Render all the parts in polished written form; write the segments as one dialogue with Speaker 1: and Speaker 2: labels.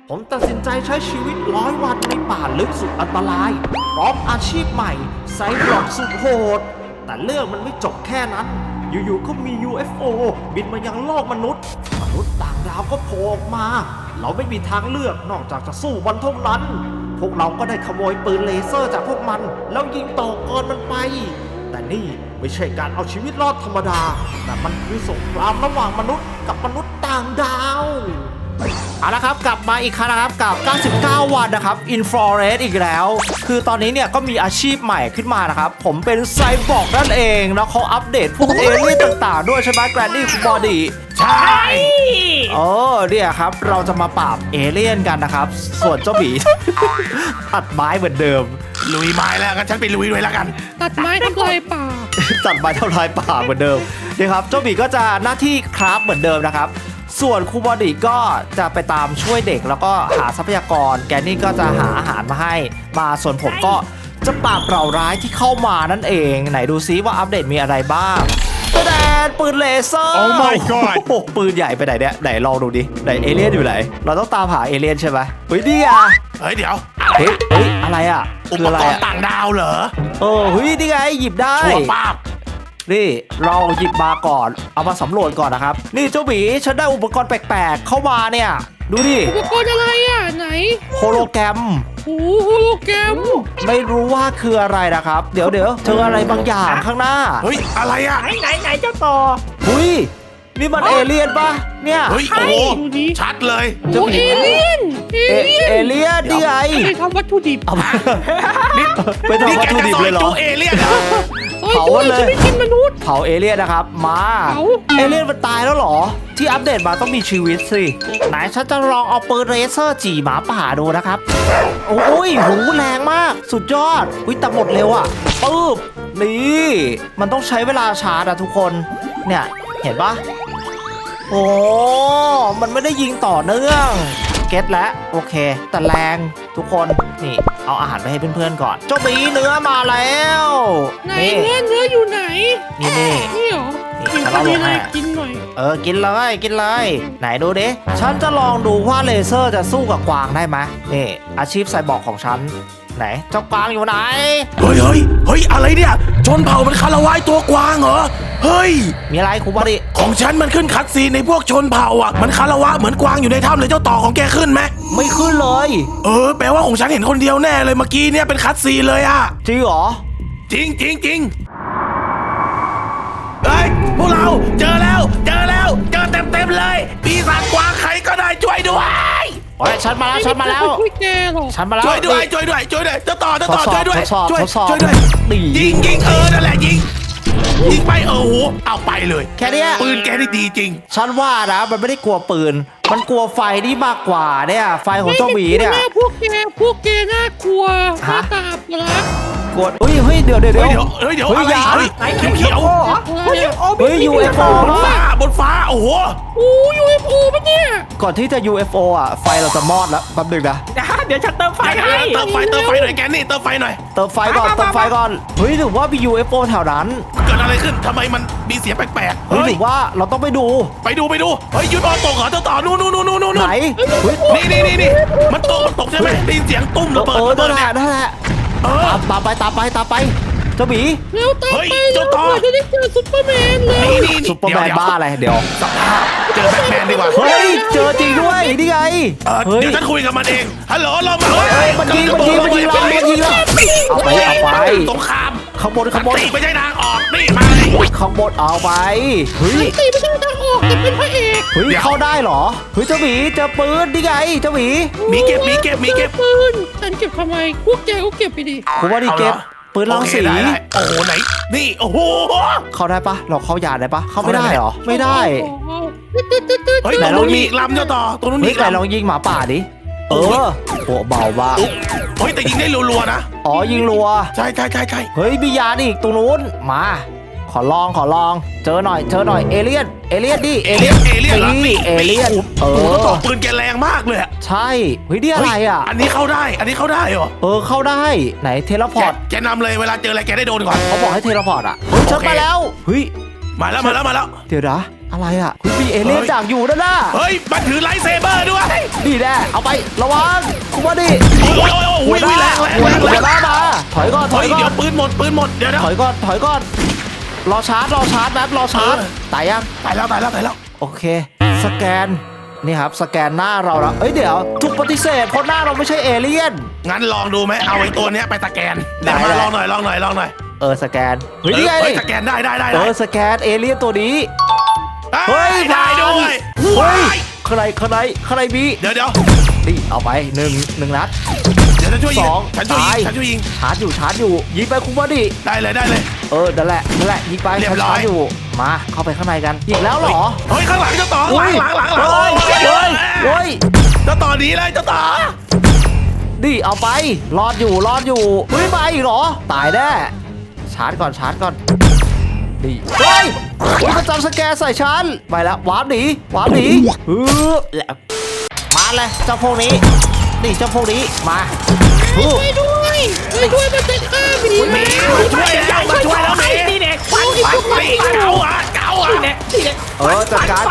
Speaker 1: ผมตัดสินใจใช้ชีวิต100 วันในป่าลึกสุดอันตรายพร้อมอาชีพใหม่ไซบอร์กสุดโหดแต่เรื่องมันไม่จบแค่นั้นอยู่ๆก็มี UFO บินมายังโลกมนุษย์ต่างดาวก็โผล่ออกมาเราไม่มีทางเลือกนอกจากจะสู้มันเท่านั้นพวกเราก็ได้ขโมยปืนเลเซอร์จากพวกมันแล้วยิงต่อกรมันไปแต่นี่ไม่ใช่การเอาชีวิตรอดธรรมดาแต่มันคือสงครามระหว่างมนุษย์กับมนุษย์ต่างดาวเอาละครับกลับมาอีกครั้งนะครับกับ99 วันนะครับ Infrared อีกแล้วคือตอนนี้เนี่ยก็มีอาชีพใหม่ขึ้นมานะครับผมเป็นไซบอร์กนั่นเองแล้วเขาอัปเดตพวกเอเลี่ยนต่างๆด้วยใช่ไหมแกรนดี้คุณบอดี้
Speaker 2: ใช่
Speaker 1: เนี่ยครับเราจะมาปราบเอเลี่ยนกันนะครับส่วนเจ้าหมี ตัดไม้เหมือนเดิม
Speaker 2: ลุยไม้แล้วกันฉันไปลุยด้วยแล้วกัน
Speaker 3: ตัดไม้ทำลายป่า
Speaker 1: ตัดไม้ทำลายป่าเหมือนเดิมนี่ครับเจ้าหมีก็จะหน้าที่คราฟเหมือนเดิมนะครับส่วนครูบอดี้ก็จะไปตามช่วยเด็กแล้วก็หาทรัพยากรแกนี่ก็จะหาอาหารมาให้มาส่วนผมก็จะปราบเหล่าร้ายที่เข้ามานั่นเองไหนดูซิว่าอัปเดตมีอะไรบ้างแดนปืนเลเซอร์
Speaker 2: Oh my god
Speaker 1: ปืนใหญ่ไปไหนเนี่ยไหนลองดูดิไหนเอเลี่ยนอยู่ไหนเราต้องตามหาเอเลี่ยนใช่ไหมเฮ้ยนี่อ่ะ
Speaker 2: เดี๋ยว
Speaker 1: เฮ้ยอะไรอ่ะ
Speaker 2: อุปกรณ์ต่างดาวเหรอ
Speaker 1: เฮ้ยนี่ไงหยิบได้
Speaker 2: ชัวร์ป้าบ
Speaker 1: นี่เราหยิบมาก่อนเอามาสำรวจก่อนนะครับนี่เจ้าหมีฉันได้อุปกรณ์แปลกๆเข้ามาเนี่ยดูดิ
Speaker 3: อุปกรณ์อะไรอ่ะไหน
Speaker 1: โฮโลแกรม
Speaker 3: โอ้โฮโลแกรม
Speaker 1: ไม่รู้ว่าคืออะไรนะครับเดี๋ยวเจออะไรบางอย่างข้างหน้า
Speaker 2: เฮ้ยอะไรอ่ะ
Speaker 3: ไหนเจ้าต่อ
Speaker 1: หุยนี่มันเอเลี่ยนปะเนี่ย
Speaker 2: เฮ้ยโอ้ชัดเลย
Speaker 3: โอ้เอเลี่ยน
Speaker 1: นี่ไง
Speaker 3: ไปทำวัตถุดิบ
Speaker 1: ไปทำวัตถุดิบเลยเหรอ
Speaker 2: เอเลี่ยน
Speaker 1: เผาเลย
Speaker 3: ไม่กินมนุษย์
Speaker 1: เผาเอเลี่ยนนะครับมาเอเลี่ยนมันตายแล้วเหรอที่อัปเดตมาต้องมีชีวิตสิไหนฉันจะลองเอาปืนเลเซอร์จีหมาป่าดูนะครับโอ้ยหูแรงมากสุดยอดแต่หมดเร็วอ่ะปึ๊บนี่มันต้องใช้เวลาชาร์จอะทุกคนเนี่ยเห็นปะโอ้มันไม่ได้ยิงต่อเนื่องเก็ตแล้วโอเคแต่แรงทุกคนนี่เอาอาหารไปให้เพื่อนๆก่อนเจ้าหมีเนื้อมาแล้ว
Speaker 3: ไหนเนื้ออยู่ไหนนี่เหรอ
Speaker 1: กินเราลงให้
Speaker 3: กินหน่อย
Speaker 1: กินเลยไหนดูดิฉันจะลองดูว่าเลเซอร์จะสู้กับกวางได้ไหมนี่อาชีพไซบอร์กของฉันไหนเจ้ากวางอยู่ไหน
Speaker 2: เฮ้ยอะไรเนี่ยชนเผ่ามันคารวะตัวกวางเหรอเฮ้ย
Speaker 1: มีอะไรครูบอดี้
Speaker 2: ของฉันมันขึ้นคัดซีนในพวกชนเผ่าอ่ะมันคารวะเหมือนกวางอยู่ในถ้ำเลยเจ้าต่อของแกขึ้นไหม
Speaker 1: ไม่ขึ้นเลย
Speaker 2: แปลว่าของฉันเห็นคนเดียวแน่เลยเมื่อกี้เนี่ยเป็นคัดซีนเลยอ่ะ
Speaker 1: จริงเหรอ
Speaker 2: จริงเฮ้ยพวกเราเจอแล้วเจอเต็มเลยปีศาจกวางใครก็ได้ช่วยด้วย
Speaker 1: ฉันมาแล้ว
Speaker 2: ช่วยด้วยเจ้าต่อช่วยด้วยยิงนั่นแหละยิงไปโอ้โหเอาไปเลย
Speaker 1: แค่นี้
Speaker 2: ปืนแกนี่ดีจริง
Speaker 1: ฉันว่านะมันไม่ได้กลัวปืนมันกลัวไฟนี่มากกว่าเนี่ยไฟของเจ้าหมีเนี่ย
Speaker 3: พวกแกน่ากลัวตาบรัก
Speaker 1: กดเฮ้ยเดี๋ยว
Speaker 2: อะไรเขียว
Speaker 1: UFO
Speaker 2: บนฟ้าโอ้โห
Speaker 3: UFO ปะเนี่ย
Speaker 1: ก่อนที่จะ UFO อ่ะไฟเราจะมอดแล้วแป๊บนึงนะ
Speaker 3: เดี๋ยวฉันเติมไฟให้
Speaker 2: เติมไฟหน่อยแกนี่เติมไฟหน่อย
Speaker 1: เติมไฟก่อนเฮ้ยหรือว่ามี UFO แถวนั้น
Speaker 2: เกิดอะไรขึ้นทำไมมันมีเสียงแปลก
Speaker 1: ๆเฮ้ยหรือว่าเราต้องไปดู
Speaker 2: เฮ้ยยุดตกเหรอเจ้าต่อนู่น
Speaker 1: ไหน
Speaker 2: นี่มันตกใช่ไหมได้ยินเสียงตุ้มระเบิด
Speaker 1: นั่นแหละตามไปเจ้าหมี
Speaker 3: เร็วตามไปเจ้าต่อจะได้เจอซุปเปอร์แมนเลย
Speaker 1: ซุปเปอร์แมนบ้าอะไรเดี๋ยว
Speaker 2: เจอแบทแมนดีกว่า
Speaker 1: เฮ้ยเจอจริงด้วยนี่ไง
Speaker 2: เดี๋ยวฉันคุยกับมันเองฮัลโหลเรามา
Speaker 1: มันยิงเราเอาไป
Speaker 2: สงคราม
Speaker 1: ข้างบน
Speaker 2: ตีไม่ใช่ทางออกนี่มา
Speaker 1: ข้างบนเอาไป
Speaker 3: เฮ้ยตีไม่ใช่ทางออกแต่เป็นพระเอก
Speaker 1: เฮ้ยเข้าได้เหรอเฮ้ยเจ้าหมีเจอปืนนี่ไงเจ้าหมี
Speaker 2: เก็บ
Speaker 3: ปืนฉันเก็บทำไมพวกแกก็เก็บไปดิ
Speaker 1: ผมว่าดิเก็บปืนลังสี
Speaker 2: โอ้โหไหนนี่โอ้โห
Speaker 1: เข้าได้ปะเราเข้ายานได้ปะเข้าไม่ได้เหรอไม่ได้
Speaker 2: เฮ้ยไหนลองยิงลำเจ้าต่อตรงนู้น
Speaker 1: นี่ไหนลองยิงหมาป่าดิโอ้เบาบ้า
Speaker 2: เฮ้ยแต่ยิงได้รัวๆนะ
Speaker 1: ยิงรัว
Speaker 2: ใช่
Speaker 1: เฮ้ยมียานอีกตรงนู้นมาขอลองเจอหน่อยเอเลี่ยนดิเอเลี่ยน
Speaker 2: ต่อปืนแกแรงมากเลย
Speaker 1: ใช่เฮ้ยนี่อะไรอ่ะ
Speaker 2: อันนี้เข้าได้เหรอ
Speaker 1: เข้าได้ไหนเทเลพอร์ต
Speaker 2: แกนำเลยเวลาเจออะไรแกได้โดนก่อน
Speaker 1: เขาบอกให้เทเลพอร์ตอ่ะเฮ้ยฉันมาแล้วเฮ้ย
Speaker 2: มาแล้ว
Speaker 1: เดี๋ยวนะอะไรอ่ะคุณมีเอเลี่ยนดักอยู่นั่นน่ะ
Speaker 2: เฮ้ยมันถือไลท์เซเบอร์ด้วย
Speaker 1: นี่แน่เอาไประวังคุณว่าดิ
Speaker 2: โอ้ยแรง
Speaker 1: หัวหน้ามาถอยก่อน
Speaker 2: เดี๋ยวปืนหมดเดี๋ยว
Speaker 1: ถอยก่อนรอชาร์จแป๊บรอชาร์จตายยัง
Speaker 2: ตายแล้ว
Speaker 1: โอเคสแกนนี่ครับสแกนหน้าเราแล้วเดี๋ยวถูกปฏิเสธเพราะหน้าเราไม่ใช่เอเลี่ยน
Speaker 2: งั้นลองดูไหมเอาไอ้ตัวเนี้ยไปสแกน
Speaker 1: ได้
Speaker 2: เดี๋ยวมาลองหน่อย
Speaker 1: สแกนเฮ้ยนี่ไง
Speaker 2: สแกนได้
Speaker 1: สแกนเอเลี่ยนตัวนี้
Speaker 2: เฮ้ยได้ด้วย
Speaker 1: เฮ้ยใครมี
Speaker 2: เดี๋ยว
Speaker 1: นี่เอาไปหนึ่งนัด
Speaker 2: เดี๋ยวฉันช่วยยิง
Speaker 1: ตาย
Speaker 2: ฉันช่วยยิง
Speaker 1: ชาร์จอยู่ยิงไปคุณว่าดิ
Speaker 2: ได้เลย
Speaker 1: นั่นแหละยิงไป
Speaker 2: เรียบร้อย
Speaker 1: ชาร์จอยู่มาเข้าไปข้างในกันอีกแล้วเหรอ
Speaker 2: เฮ้ยข้างหลังเจ้าต่อหลัง
Speaker 1: เฮ้ย
Speaker 2: เจ้าต่อหนีเลยเจ้าต่อ
Speaker 1: นี่เอาไปรอดอยู่เฮ้ยมาอีกเหรอตายแน่ชาร์จก่อนนี่เฮ้ยมันจำสแกนใส่ฉันไปแล้ววาร์ปหนีมาเลยเจ้าพวกนี้นี่เจ้าพวกนี้มาฮึบ
Speaker 3: ช่วยด้วยมันจะฆ่าหมี
Speaker 2: หนีมาช่วยแล้วหนี
Speaker 3: นี่เด็ก
Speaker 2: ไปเก่าอ่ะ
Speaker 1: จัดการ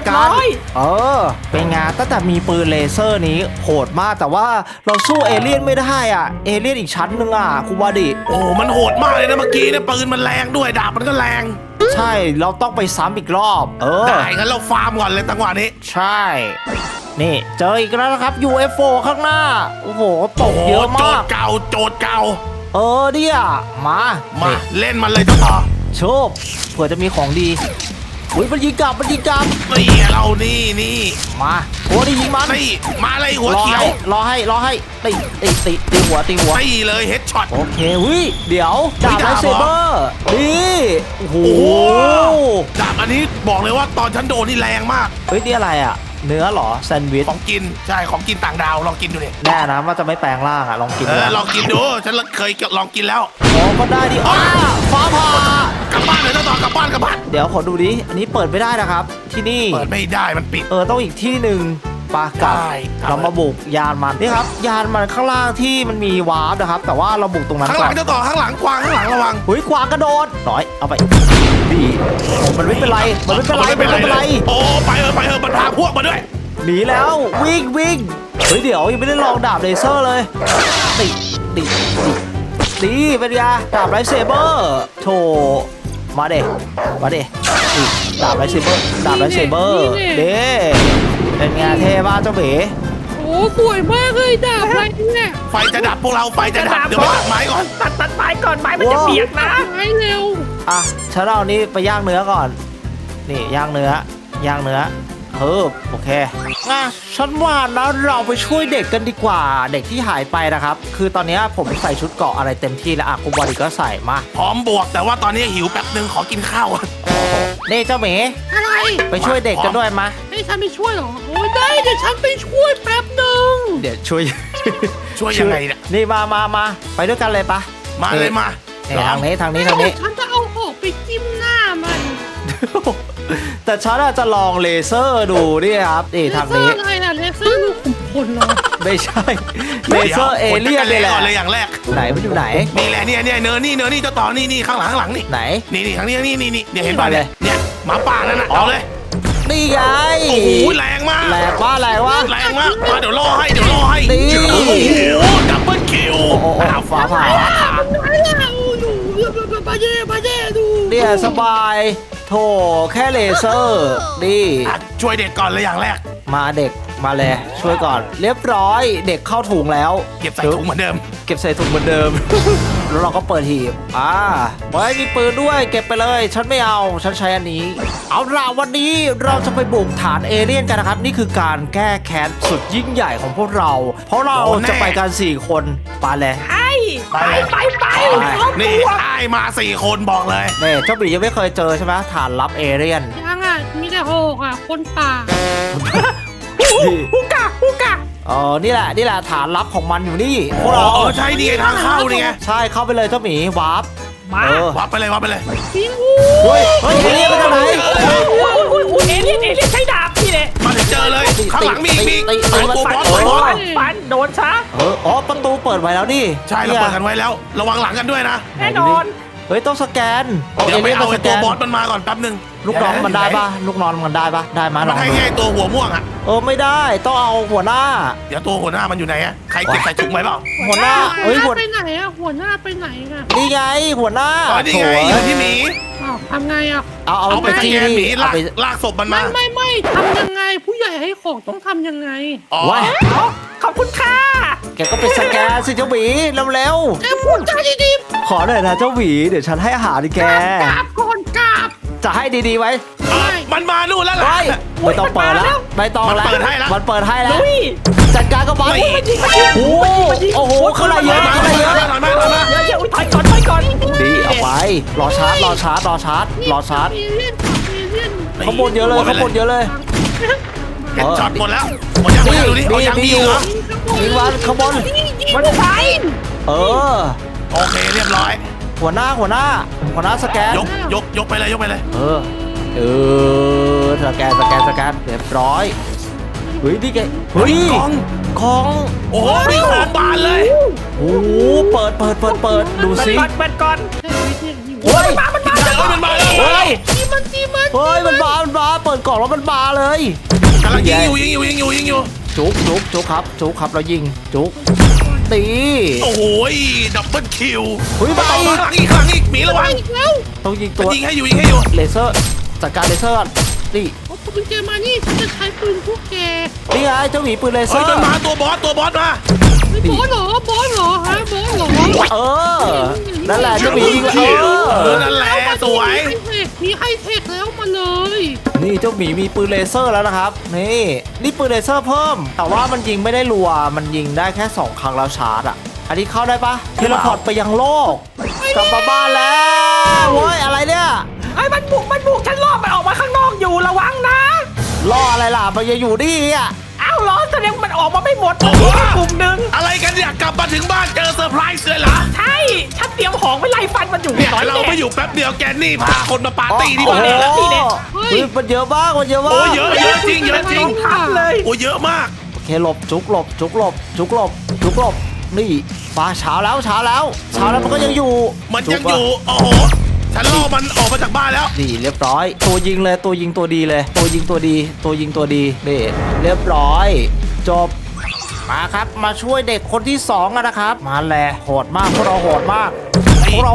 Speaker 1: เป็นไงตั้งแต่มีปืนเลเซอร์นี้โหดมากแต่ว่าเราสู้เอเลี่ยนไม่ได้อ่ะเอเลี่ยนอีกชั้นหนึ่งอ่ะคุณวาดิ
Speaker 2: โอ้มันโหดมากเลยนะเมื่อกี้เนี่ยปืนมันแรงด้วยดาบมันก็แรง
Speaker 1: ใช่เราต้องไปซ้ำอีกรอบ
Speaker 2: ได้งั้นเราฟาร์มก่อนเลยจังหวะนี้
Speaker 1: ใช่นี่เจออีกแล้วนะครับ UFO ข้างหน้าโอ้โหตกเยอะ
Speaker 2: โจ
Speaker 1: มาก
Speaker 2: ทย์เก่า
Speaker 1: เนี่ยมานี่
Speaker 2: เล่นมันเลยเจ้าต่อ
Speaker 1: โชคเผื่อจะมีของดีอุ้ยมันยิงกลับ
Speaker 2: นี่เรานี่
Speaker 1: มาโอ้ดิยิงมัน
Speaker 2: นี่มาเลยหัวเขียว
Speaker 1: รอให้ตีหัว
Speaker 2: นี่เลยเฮดช็อต
Speaker 1: โอเคเดี๋ยวดาบไลท์เซเบอร์นี่โอ้โห
Speaker 2: ดาบอันนี้บอกเลยว่าตอนฉันโดนนี่แรงมาก
Speaker 1: เฮ้ยนี่อะไรอ่ะเนื้อเหรอแซนด์วิช
Speaker 2: ของกินใช่ของกินต่างดาวลองกินดูดิ
Speaker 1: แน่นะว่าจะไม่แปลงร่างอ่ะลองกินดู
Speaker 2: ลองกินดูฉันเคยลองกินแล้ว
Speaker 1: ก็ได้ดิฟ้าผ่าก
Speaker 2: ลับบ้านเลยเจ้าต่อกลับบ้าน
Speaker 1: เดี๋ยวขอดูดิอันนี้เปิดไม่ได้นะครับที่นี่
Speaker 2: เปิดไม่ได้มันปิด
Speaker 1: ต้องอีกที่หนึ่งปากับ
Speaker 2: ได้ครับ
Speaker 1: เรามาบุกยานมันนี่ครับยานมันข้างล่างที่มันมีวาร์ปนะครับแต่ว่าเราบุกตรงนั้น
Speaker 2: ข้างห
Speaker 1: ก่
Speaker 2: ลั
Speaker 1: อง น
Speaker 2: เจ้าต่อข้างหลังกวางข้างหลังระวัง
Speaker 1: เฮ้ยกวางกระโดดน้อยเอาไปดีมันไม่เป็นไร
Speaker 2: โอ้ไปเถอะมันพาพวกมาด้วย
Speaker 1: หนีแล้ววิ่งเฮ้ยเดี๋ยวยังไม่ได้ลองดาบเลเซอร์เลยตีเป็นไงดาบไลท์เซเบอร์โถมาเด็ดาบไลท์เซเบอร์เด้เป็นไงเท่บ้าเจ้าเบ๋
Speaker 3: โอ้สวยมากเลยดาบอะไรเนี่ย
Speaker 2: ไฟจะดับพวกเราไฟจะดับเดี๋ยวไปตัดไม้ก่อน
Speaker 4: ตัดไม้ก่อนไม้มันจะเปียกนะ
Speaker 3: ไม้เร็ว
Speaker 1: ฉันเอานี่ไปย่างเนื้อก่อนนี่ย่างเนื้อโอเคฉันว่านะเราไปช่วยเด็กกันดีกว่าเด็กที่หายไปนะครับคือตอนนี้ผมใส่ชุดเกราะอะไรเต็มที่แล้วคุณบอดี้ก็ใส่มา
Speaker 2: พร้อมบวกแต่ว่าตอนนี้หิวแป๊บนึงขอกินข้าว
Speaker 1: นี่เจ้าเม๋
Speaker 3: อะไร
Speaker 1: ไปช่วยเด็กกันด้วยมา
Speaker 3: ให้ฉันไปช่วยเหรอโอ้ยได้เดี๋ยวฉันไปช่วยแป๊บหนึ่ง
Speaker 1: เดี๋ยวช่วย
Speaker 2: ช่วยยังไงเนี่ย
Speaker 1: นี่มาไปด้วยกันเลยปะ
Speaker 2: มาเลยมา
Speaker 1: ทางนี้
Speaker 3: ฉันจะเอาหอกไปจิ้มหน้ามัน
Speaker 1: แต่ฉันจะลองเลเซอร์ดูนี่ครับนี่ทางนี้
Speaker 3: อะไรล่ะเลเซอร์ลูกขุมพลเหรอ
Speaker 1: ไม่ใช่เลเซอร์เอเลี่ยนเลยแหละ
Speaker 2: เลยอย่างแรก
Speaker 1: ไหนมันอยู่ไหน
Speaker 2: นี่แหละเนี่ยเนื้อนี่เจ้าต่อนี่ข้างหลังนี่
Speaker 1: ไหน
Speaker 2: นี่ทางนี้นี่เนี่ยเห็นป่ะ
Speaker 1: ไปเลย
Speaker 2: เนี่ยหมาป่านั่นน่ะเอาเลย
Speaker 1: นี่ไง
Speaker 2: โอ้โหแรงมาก
Speaker 1: แรงว่า
Speaker 2: มาเดี๋ยวล่อให้
Speaker 1: นี่
Speaker 2: โอ้โหดับเบิลคิว
Speaker 1: ฟ้าผ่า
Speaker 3: ไม่แล้วดูบาเย่ดู
Speaker 1: เนี่ยสบายโถแค่เลเซอร์ดี
Speaker 2: ช่วยเด็กก่อนเลยอย่างแรก
Speaker 1: มาเด็กมาเลยช่วยก่อนเรียบร้อยเด็กเข้าถุงแล้ว
Speaker 2: เก็บใส่ถุงเหมือนเดิม
Speaker 1: เก็บใส่ถุงเหมือนเดิม แล้วเราก็เปิดหีบไว้มีปืนด้วยเก็บไปเลยฉันไม่เอาฉันใช้อันนี้เอาล่ะวันนี้เราจะไปบุกฐานเอเลี่ยนกันนะครับนี่คือการแก้แค้นสุดยิ่งใหญ่ของพวกเรา เพราะเราจะไปกัน4 คนไปเลย
Speaker 4: ไป
Speaker 2: นี่ไอ้มา4 คนบอกเลย
Speaker 1: เนี่ยเจ้าบียังไม่เคยเจอใช่ไหมฐานลับเอเลี่ยน
Speaker 3: ยังอ่ะมีแต่หอกอ่ะคนป่า
Speaker 4: ฮูกะ
Speaker 1: นี่แหละฐานลับของมันอยู่นี่พวกเรา
Speaker 2: ใช่ดีทางเข้านี่ไง
Speaker 1: ใช่เข้าไปเลยเจ้าหมีวาร์ป
Speaker 4: มา
Speaker 2: วับไปเลย
Speaker 3: จริง
Speaker 1: เฮ้ยเอเลี่ยนมาจากไหน
Speaker 4: เอเลี่ยนใช้ดาบนี่แหละ
Speaker 2: มาถึงเจอเลยข้างหลังมีตัวบอส
Speaker 4: ฟันโดนซะ
Speaker 1: ประตูเปิดไว้แล้วนี่
Speaker 2: ใช่เราเปิดกันไว้แล้วระวังหลังกันด้วยนะ
Speaker 4: แน่นอน
Speaker 1: เฮ้ยต้องสแกน
Speaker 2: เดี๋ยวไปเอา
Speaker 1: ส
Speaker 2: ไอ้
Speaker 1: แก
Speaker 2: ตัวน บอสมันมาก่อนแป๊บนึง
Speaker 1: ลูกน้องมันได้ปะลูกน้องมันได้ปะได้มาล
Speaker 2: มั
Speaker 1: อน ง
Speaker 2: ให้
Speaker 1: ดู
Speaker 2: แค่ตัวหัวม่วงอ่ะ
Speaker 1: ไม่ได้ต้องเอาหัวหน้า
Speaker 2: เดี๋ยวตัวหัวหน้ามันอยู่ไหนอะใครเก็บใส่ถุงไว้เปล่า
Speaker 1: หัวหน้าเฮ้ยหัว
Speaker 3: ไปไหนอะหัวหน้าไปไหนอะ
Speaker 1: นี่ไงหัวหน้า
Speaker 2: อ๋อนี่ไงอยู่ที่หมี
Speaker 3: อ้าวทำไงอะ
Speaker 1: เอา
Speaker 2: เอาไป
Speaker 1: ไป
Speaker 2: ส
Speaker 1: ที่
Speaker 2: แกนหมี
Speaker 1: เอา
Speaker 2: ลาก
Speaker 1: ไป
Speaker 2: ลากศพมันมา
Speaker 3: ไม่ทำยังไงผู้ใหญ่ให้ของต้องทำยังไง
Speaker 2: อ๋อ
Speaker 1: ว้าย
Speaker 4: ขอบคุณค่ะ
Speaker 1: แกก็ไปสแกนสิเจ้าหมีเร็ว
Speaker 3: แกพูดจาดี
Speaker 1: ๆขอหน่อยนะเจ้าหมีเดี๋ยวฉันให้อาหารดิแก
Speaker 3: ๆกราบก่อนกราบ
Speaker 1: จะให้ดีๆไว้
Speaker 2: อ่ะมันมานู่นแล้วล่ะ
Speaker 1: ไม่ไม่ต้องเปิดแล้วไม่ต้อง
Speaker 2: มัน
Speaker 1: แล้ว
Speaker 2: เปิดให้แล้ว
Speaker 1: มันเปิดให้แล้ว
Speaker 4: ลุย
Speaker 1: จัดการกับมัน
Speaker 2: ไม่
Speaker 1: โอ้โหข้างในเยอะข้างในเยอะ
Speaker 2: ถอยมาถอยมา
Speaker 4: เดี๋ยวถอยก่อน
Speaker 1: ดีเอาไปรอชาร์จรอชาร์จรอชาร์จรอชาร์จ
Speaker 3: เอเลี่ยนกับเอเลี่ยน
Speaker 1: ข้างบนเยอะเลยข้างบนเยอะเลย
Speaker 2: เห็นช็อตหมดแล้วหมดยังดูดิเอายังดีเหรอ
Speaker 1: ยิงวันข้างบน
Speaker 4: มันไป
Speaker 1: เออ
Speaker 2: โอเคเรียบร้อย
Speaker 1: หัวหน้าสแกน
Speaker 2: ยกไปเลยยกไปเลย
Speaker 1: สแกนเรียบร้อยเฮ้ยนี่แกเฮ้ยของ
Speaker 2: โอ้โหมีของบานเลย
Speaker 1: โอ้โหเปิดดูสิ
Speaker 4: เปิดก่อน
Speaker 1: เฮ้ย
Speaker 2: มันมาแล้ว
Speaker 1: เฮ้ย
Speaker 3: ตีมัน
Speaker 1: เฮ้ยมันมาเปิดกล่องแล้วมันมาเลย
Speaker 2: กำลังยิงอยู่
Speaker 1: จุกครับเรายิงจุกตี
Speaker 2: โอ้โหดับเบิลคิว
Speaker 1: เฮ้ย
Speaker 2: ต่
Speaker 1: มา
Speaker 2: อ
Speaker 1: อี
Speaker 2: มาก หลังอีกหมีระวัง
Speaker 3: อีกแล้ว
Speaker 1: ต้องยิง
Speaker 2: มั
Speaker 1: ตั
Speaker 2: น
Speaker 1: ว
Speaker 2: ยิงให้อยู่
Speaker 1: เลเซอร์จัดการเลเซอร์ก่อนนี่
Speaker 3: เอาปืนแกมานี่ฉันจะใช้ปืนพวกแก
Speaker 1: นี่ไงเจ้าหมีปืนเลเซ
Speaker 2: เฮ้
Speaker 1: อย ร์
Speaker 2: มันมาตัวบอสมา
Speaker 3: ไม่บอสเหรฮะบอสเหรอ
Speaker 1: นั่นแหละเจ้าหมียิง
Speaker 2: นั่นแหละสวย
Speaker 3: มีไฮเทคแล้วมาเลย
Speaker 1: นี่เจ้าหมีมีปืนเลเซอร์แล้วนะครับนี่ปืนเลเซอร์เพิ่ม แต่ว่ามันยิงไม่ได้รัวมันยิงได้แค่2 ครั้งแล้วชาร์จอ่ะอันนี้เข้าได้ปะเทเลพอร์ตไปยังโลกกลับมาบ้านแล้วเว้ยอะไรเนี่ย
Speaker 4: ไอ้มันบุกฉันรอบมันออกมาข้างนอกอยู่ระวังนะ
Speaker 1: ล่ออะไรล่ะมันยังอยู่นี่อ่ะ
Speaker 4: อ้าวเหรอแสดงมันออกมาไม่หมด
Speaker 2: โอ้โห
Speaker 4: กลุ่มหนึ่ง
Speaker 2: อะไรกันเนี่ยกลับมาถึงบ้านเจอเซอร์ไพรส์เลยเหรอ
Speaker 4: ใช่ฉันเตรียมของไว้ไล่ฟันมันอยู่
Speaker 2: เนี่ย
Speaker 4: น้อย
Speaker 2: เรา
Speaker 4: แน่
Speaker 2: ไม่อยู่แป๊บเดียวแกนี่พาคนมาปาร์ตี้ที่
Speaker 1: โอ้
Speaker 2: บ้าน
Speaker 1: โห
Speaker 2: เลยนะ
Speaker 1: เฮ้ยมันเยอะมาก
Speaker 2: โอ้เยอะจริง
Speaker 4: ทับเลย
Speaker 2: โอ้เยอะมาก
Speaker 1: โอเคหลบจุกหลบนี่ฟ้าเช้าแล้วมันก็ยังอยู่
Speaker 2: มันยังอยู่โอ้โหฉันล่อมันออกมาจากบ้านแล้ว
Speaker 1: นี่เรียบร้อย ตัวยิงเลยตัวยิงตัวดีเลยตัวยิงตัวดีนี่เรียบร้อยจบมาครับมาช่วยเด็กคนที่2กันนะครับมาแลโหดมากพวกเราโหดมาก
Speaker 2: พวก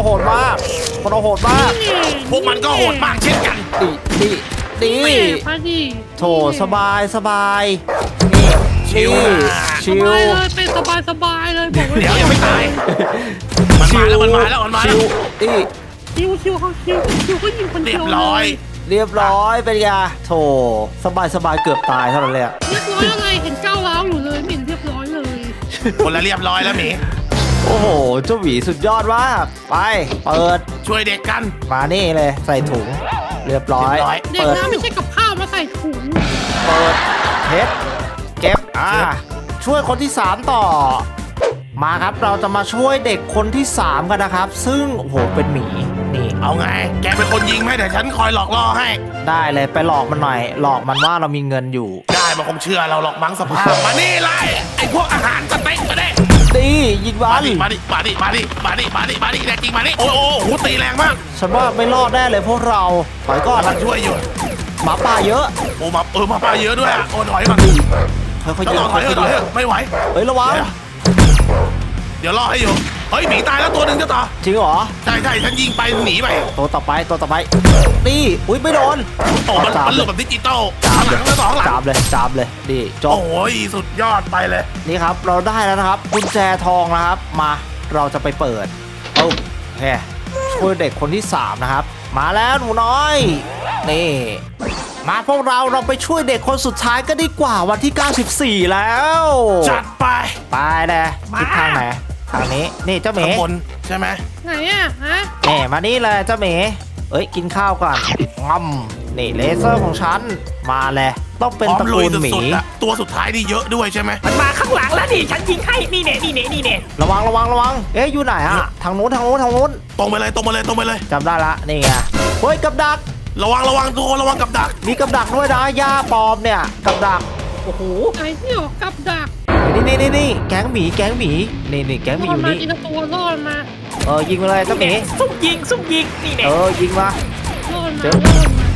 Speaker 2: มันก็โหดมากเช่นกัน
Speaker 1: ดี
Speaker 3: แม่พอดี
Speaker 1: โถสบายนี่
Speaker 2: ชิว
Speaker 3: สบายเลยเป็นสบายเลยบอกไว้
Speaker 2: เดี๋ยวยังไม่ตาย มันมาแล้ว
Speaker 1: ชิวนี่
Speaker 3: ชิวก็ยิงคน
Speaker 2: เรี
Speaker 3: เดี
Speaker 2: ย
Speaker 3: ยว
Speaker 2: บร้อย
Speaker 1: เรียบร้อยเป็นไงโถสบายเกือบตายเท่านั้นเลยอะ
Speaker 3: เรียบร้อยอะไรเห็นก้าวร้าวอยู่เลยไม่เห็นเรียบร้อยเลย
Speaker 2: คนละเรียบร้อยแล้วหมี
Speaker 1: โอ้โหเจ้าหวีสุดยอดมากไปเปิด
Speaker 2: ช่วยเด็กกัน
Speaker 1: มานี่เลยใส่ถุงเรียบร้อย
Speaker 3: เด็ก
Speaker 1: เปิด
Speaker 3: น้ำไม่ใช่กับข้าวมาใส่ถุง
Speaker 1: เปิดเพชรเก็บช่วยคนที่3ต่อมาครับเราจะมาช่วยเด็กคนที่3กันนะครับ ซึ่งโอ้โหเป็นหมีนี่
Speaker 2: เอาไง แกเป็นคนยิงไหมเดี๋ยวฉันคอยหลอกล่อให้
Speaker 1: ได้เลยไปหลอกมันหน่อยหลอกมันว่าเรามีเงินอยู่
Speaker 2: ได้มันคงเชื่อเราหรอกมั้งสภาพมานี่เลยไอ้พวกอาหารสเต็กมาดิ
Speaker 1: ดียิงวั
Speaker 2: มาน ดิแน่จริงมาดิโอ้โหตีแรงมาก
Speaker 1: ฉันว่าไม่รอดแน่เลยพวกเราถอยก่อน
Speaker 2: กำลังช่วยอยู่
Speaker 1: หมาป่าเยอะ
Speaker 2: โอ้มาปลาเยอะด้วยอ่ะโอ้ถอยก่อน
Speaker 1: ค่อยๆ
Speaker 2: ต้
Speaker 1: ยิ
Speaker 2: อง งถอยไม่ไหว
Speaker 1: เฮ้ยระวัง
Speaker 2: เดี๋ยวล่อให้อยู่เฮ้ยหมีตายแล้วตัวหนึ่งเจ้าต่อ
Speaker 1: จริงเหรอ
Speaker 2: ใช่ฉันยิงไปหนีไป
Speaker 1: ตัวต่อไปนี่อุ้ยไม่โดน
Speaker 2: โอ้มันหลบแบบดิจิตอลข้างหลังแล้วสองหลัง
Speaker 1: จามเลยดีจบ
Speaker 2: โอ้ยสุดยอดไปเลย
Speaker 1: นี่ครับเราได้แล้วนะครับกุญแจทองนะครับมาเราจะไปเปิดโอเคช่วยเด็กคนที่3นะครับมาแล้วหนูน้อยนี่มาพวกเราไปช่วยเด็กคนสุดท้ายก็ดีกว่าวันที่ 94 แล้ว
Speaker 2: จัดไป
Speaker 1: ไปเลยทิศทางไหนทางนี้นี่เจ้าหมี
Speaker 2: ข้างบนใช่ไหม
Speaker 3: ไหนอะฮะ
Speaker 1: นี่มานี่เลยเจ้าหมีเอ้ยกินข้าวก่อนงอมนี่เลเซอร์ของฉันมาเลยต้องเป็น
Speaker 2: พร้อม
Speaker 1: ตระ
Speaker 2: ลุ
Speaker 1: กู
Speaker 2: ย
Speaker 1: ลหมี
Speaker 2: สุดๆอะตัวสุดท้ายนี่เยอะด้วยใช่ไหม
Speaker 4: มันมาข้างหลังแล้วดิฉันยิงให้นี่เน่
Speaker 1: ระวังเอ๊ะอยู่ไหนอะทางนู้น
Speaker 2: ตรงไปเลย
Speaker 1: จำได้ละนี่ไงเฮ้ยกับดัก
Speaker 2: ระวังตัวระวังกับดัก
Speaker 1: มีกับดักด้วยนะย่าปลอมเนี่ยกับดักโอ้โห
Speaker 3: ไหนที่ออกกับดัก
Speaker 1: นี่แก๊งหมีนี่แก๊งหมีอยู่
Speaker 3: มา
Speaker 1: นี่
Speaker 3: ทีละตัวรอดมา
Speaker 1: ยิงไปเลยเจ้าหมี
Speaker 4: ซุ่มยิงนี่เน่
Speaker 1: ยิงมา
Speaker 3: รอดมา
Speaker 1: เจอ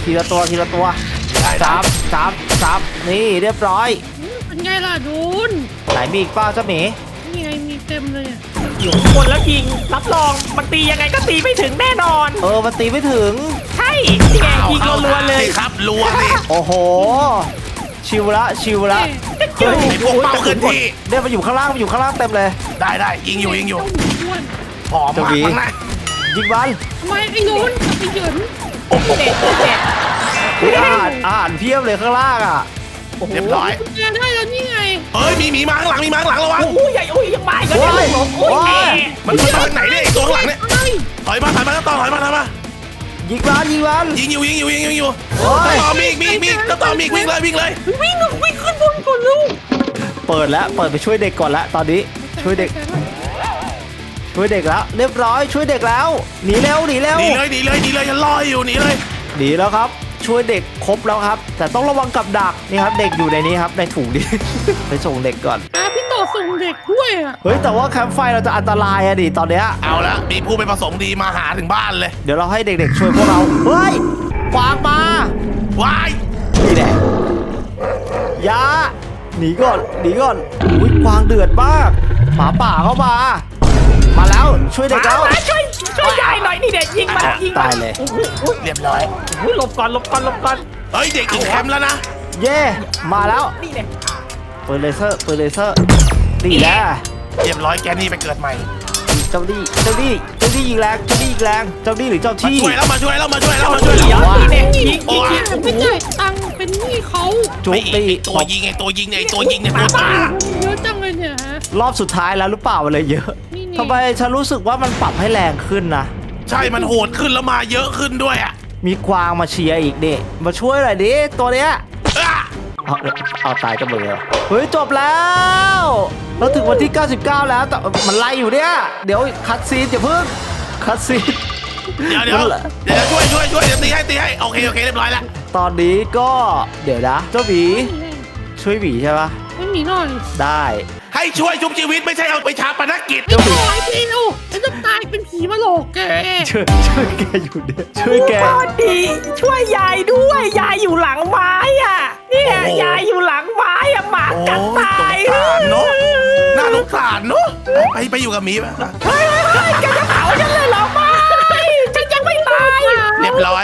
Speaker 1: ทีละตัวทีละตัว
Speaker 2: ได้
Speaker 1: จับนี่เรียบร้อย
Speaker 3: เป็นไงล่ะโดน
Speaker 1: ไหนมีอีกเป้าเจ้าหมี
Speaker 3: นี่ไงมีเต็มเลยอะ
Speaker 4: อยู่ข้างบนแล้วยิงรับรองมันตียังไงก็ตีไม่ถึงแน่นอน
Speaker 1: มันตีไม่ถึง
Speaker 4: ใช่นี่ไงยิงรัวๆเลย
Speaker 2: สิครับรัวสิ
Speaker 1: โอ้โห ชิวละ
Speaker 3: เอ้ย
Speaker 2: ไอ้พวกเป้าเคลื่อนที่
Speaker 1: เนี่ยมันอยู่ข้างล่างเต็มเลย
Speaker 2: ได้ยิงอยู่
Speaker 3: เจ้าหมีอ้วน
Speaker 2: หอมมากข้างใน
Speaker 1: ยิงมัน
Speaker 3: ทำไมไอ้โดนกับไอ้เหยิน
Speaker 4: เด็ด
Speaker 1: อุ๊ยอ่านเพียบเลยข้างล่างอ่ะ
Speaker 2: เรียบร้อย
Speaker 3: กุญแจได้แล้วนี่ไง
Speaker 2: เฮ้ยมีหมีมาข้างหลังระวัง
Speaker 4: อุ้ยใหญ่อุ้ยยังมาอีกแล้วเนี่ยผมอุ้ยแม่
Speaker 2: มันมาทางไหนเนี่ยไอ้ตัวข้างหลังเนี่ย
Speaker 3: เอ้ย
Speaker 2: ถอยมาต่อถอยมา
Speaker 1: ยิงมัน
Speaker 2: ยิงอยู่
Speaker 1: โอ้ย
Speaker 2: ต่อมีอีกวิ่งเลย
Speaker 3: วิ่งขึ้นบนก่อนลูก
Speaker 1: เปิดไปช่วยเด็กก่อนละตอนนี้ช่วยเด็กแล้วเรียบร้อยช่วยเด็กแล้วหนีเร็ว
Speaker 2: หนีเลยฉันรออยู่หนีเลย
Speaker 1: หนีแล้วครับ ช่วยเด็กครบแล้วครับ แต่ต้องระวังกับดักนี่ครับเด็กอยู่ในนี้ครับในถุงนี้ ไปส่งเด็กก่อน
Speaker 3: พี่ต่อส่งเด็กด้วยอ่ะ
Speaker 1: เฮ้ยแต่ว่าแคมป์ไฟเราจะอันตรายอะดิตอนเนี้ย
Speaker 2: เอาละมีผู้ไปประสงค์ดีมาหาถึงบ้านเลย
Speaker 1: เดี๋ยวเราให้เด็กๆช่วยพวกเราเฮ้ยกวางมา
Speaker 2: ว้าย
Speaker 1: นี่แหละยาหนีก่อนอุ้ยกวางเดือดมากหมาป่าเข้ามาแล้วช่วยเด็กแล้ว
Speaker 4: มาช่วยยายหน่อยนี่เด็ดยิงมัน
Speaker 1: ตายเลย
Speaker 2: เรียบร้อย
Speaker 4: หลบก่อน
Speaker 2: เฮ้ยเด็กอีกแคมป์แล้วนะ
Speaker 1: เย่มาแล้ว
Speaker 4: นี่เนี่ย
Speaker 1: ปืนเลเซอร์นี่แหละ
Speaker 2: เรียบร้อยแกนี่ไปเกิดใหม่
Speaker 1: เจ้านี่ยิงแรงเจ้านี่หรือเจ้าที่
Speaker 2: มาช่วยแล้ว
Speaker 4: เดี๋ยว
Speaker 1: ว้า
Speaker 4: นี่เนี่ยยิง
Speaker 3: ไม่จ่ายตังค์เป็นหนี้เขา
Speaker 1: จุ๊บ
Speaker 2: ไอ้
Speaker 1: ตี
Speaker 2: ตัวยิงเนี่ยตัวตา
Speaker 3: เยอะจังเลยเนี่ยฮะ
Speaker 1: รอบสุดท้ายแล้วหรือเปล่ามันเลยเยอะ
Speaker 3: นี่
Speaker 1: ทำไมฉันรู้สึกว่ามันปรับให้แรงขึ้นนะ
Speaker 2: ใช่มันโหดขึ้นแล้วมาเยอะขึ้นด้วยอ่ะ
Speaker 1: มีกวางมาเชียร์อีกดิมาช่วยหน่อยดิตัวเนี้ย เอาตายกันหมดเลยเหรอเฮ้ยจบแล้วเราถึงวันที่ 99 แล้วแต่มันไล่อยู่เนี่ยเดี๋ยวคัดซีนอย่าเพิ่งคัดซีน
Speaker 2: เดี๋ยวช่วยเดี๋ยวตีให้โอเคเรียบร้อยแล้ว
Speaker 1: ตอนนี้ก็เดี๋ยวนะเจ้าหมีช่วยหมีใช่ปะ
Speaker 3: ไม่มีหน่อย
Speaker 1: ได้
Speaker 2: ให้ช่วยชุบชีวิตไม่ใช่เอาไปชาปนกิจ
Speaker 3: ไม่ต่อยพี่ลูกฉันจะตายเป็นผีมาหลอกแก
Speaker 1: ช่วยแกอยู่เนี่ยช่วยแก
Speaker 4: พอดีช่วยยายด้วยยายอยู่หลังไม้อ่ะเนี่ยยายอยู่หลังไม้อ่ะหมา
Speaker 2: โอ้
Speaker 4: กัด
Speaker 2: ย
Speaker 4: ตาย
Speaker 2: สงสารเนาะน่าสงสารเนาะไปอยู่กับหมีป่ะ
Speaker 4: เฮ้ยแกจะเผาฉันเลยเหรอไม่ฉันยังไม่ตาย
Speaker 2: เรียบร้อย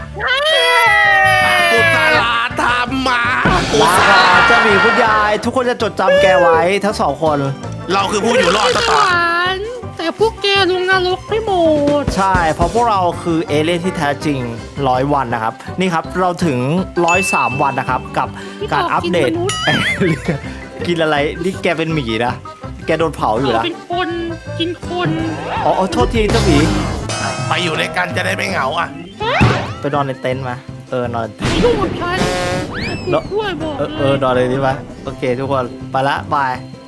Speaker 2: กุศลาธรรมมากุ
Speaker 1: ลา
Speaker 2: ศ
Speaker 1: ก่อ
Speaker 2: ลาน
Speaker 1: เจ้าหมีคุณยายทุกคนจะจดจำแกไว้ทั้งสองคน
Speaker 2: เราคือผู้อยู่รอดต่อ
Speaker 3: แต่พวกแกลงนรกไม่หมด
Speaker 1: ใช่ เพราะพวกเราคือเอเลี่ยนที่แท้จริง100 วันนะครับ นี่ครับเราถึง103 วันนะครับ กับการอัปเดต กินอะไร นี่แกเป็นหมีนะ แกโดนเผาอยู่
Speaker 3: เรา
Speaker 1: นะ
Speaker 3: เป็นคนกินคน
Speaker 1: อ๋อโทษทีเจ้าหมี
Speaker 2: ไปอยู่ด้วยกันจะได้ไม่เหงาอ่ะ
Speaker 1: ไปนอนในเต็นท์มา นอน
Speaker 3: ลูกของฉันช่วยบอกเลย
Speaker 1: นอนเลยดีไหมโอเคทุกคน ไปละบาย